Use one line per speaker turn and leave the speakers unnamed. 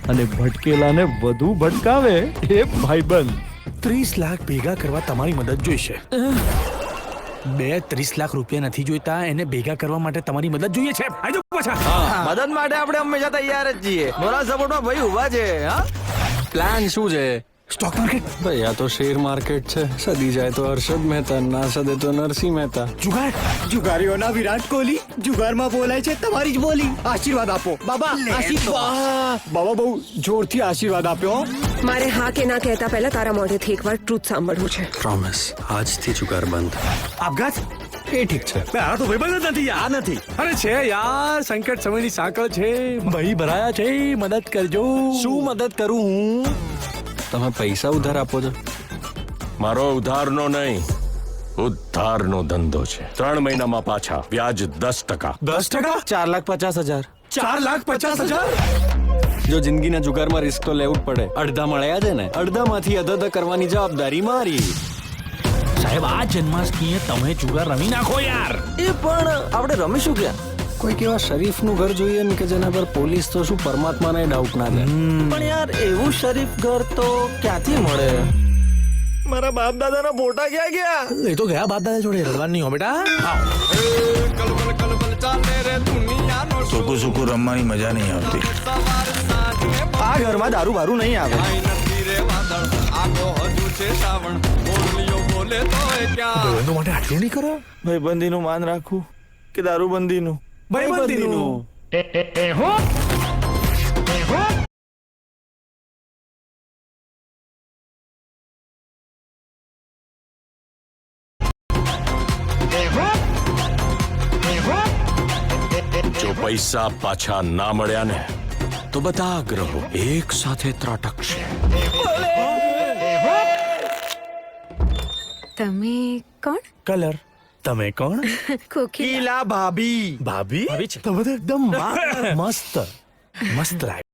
અને ભટકેલાને વધુ ભટકાવે એ ભાઈબંધ.
30 લાખ ભેગા કરવા તમારી મદદ જોઈશે. 30 લાખ રૂપિયા નથી જોઈતા, એને ભેગા કરવા માટે તમારી મદદ જોઈએ છે. આજો પાછા.
મદદ માટે આપણે હંમેશા તૈયાર જ છીએ. મોરા સપોર્ટમાં ભાઈ ઉભા છે. હા,
પ્લાન શું છે?
સ્ટોક માર્કેટ,
ભાઈ આ તો શેર માર્કેટ છે. સદી જાય તો હર્ષદ મહેતા, ના સદે તો નરસિંહ મહેતા.
જુગાર.
જુગારીઓના વિરાટ કોહલી જુગારમાં બોલાય છે તમારી જ બોલી. આશીર્વાદ આપો બાબા. આશીર્વાદ બાબા બહુ જોરથી આશીર્વાદ આપ્યો.
મારે હા કે ના કહેતા પહેલા તારા મોઢેથી એકવાર ટ્રુથ સાંભળવું છે.
પ્રોમિસ, આજથી જુગાર બંધ.
આપઘાત.
એ ઠીક છે.
આ તો ભાઈબંધ જ નથી યાર. નથી. અરે છે યાર, સંકટ સમયની સાંકળ છે. ભાઈ ભરાયા છે, મદદ કરજો.
શું મદદ કરું હું? તમે પૈસા ઉધાર આપો છો?
મારો ઉધારનો નહીં, ઉદ્ધારનો ધંધો છે. 3 મહિનામાં પાછા, વ્યાજ 10%.
10%?
4,50,000.
4,50,000?
જો જિંદગીના જુગારમાં રિસ્ક તો લેવું જ પડે. અડધા મળ્યા છે ને, અડધામાંથી અધધ કરવાની જવાબદારી મારી.
સાહેબ, આ જન્માષ્ટમીએ તમે જુગાર રમી નાખો યાર.
એ પણ આપણે રમીશું ક્યાં?
કોઈક એવા શરીફનું ઘર જોઈએ ને કે જેના પર પોલીસ તો શું પરમાત્માને ડાઉટ ના દે.
પણ યાર એવું શરીફ ઘર તો ક્યાંથી મળે? મારા બાપ દાદાના ફોટા ક્યાં ગયા?
એ તો ગયા બાદ દાદા જોડે રડવાનું નહીં હો બેટા.
સૂકું સૂકું રમવાની મજા નહીં આવતી.
આ ઘરમાં દારૂ બારૂ નહીં આવે.
ભાઈબંધો માટે આટલું નહીં કરો.
ભાઈબંધીનું માન રાખવું કે દારૂબંધીનું?
ભાઈબંધીનું.
જો પૈસા પાછા ના મળ્યા ને તો બધા ગ્રહો એક સાથે ત્રાટકશે.
તમે કોણ?
કલર. તમે કોણ?
કોકિલા.
ભાભી.
ભાભી. તમે તો એકદમ મસ્ત મસ્ત લાગે.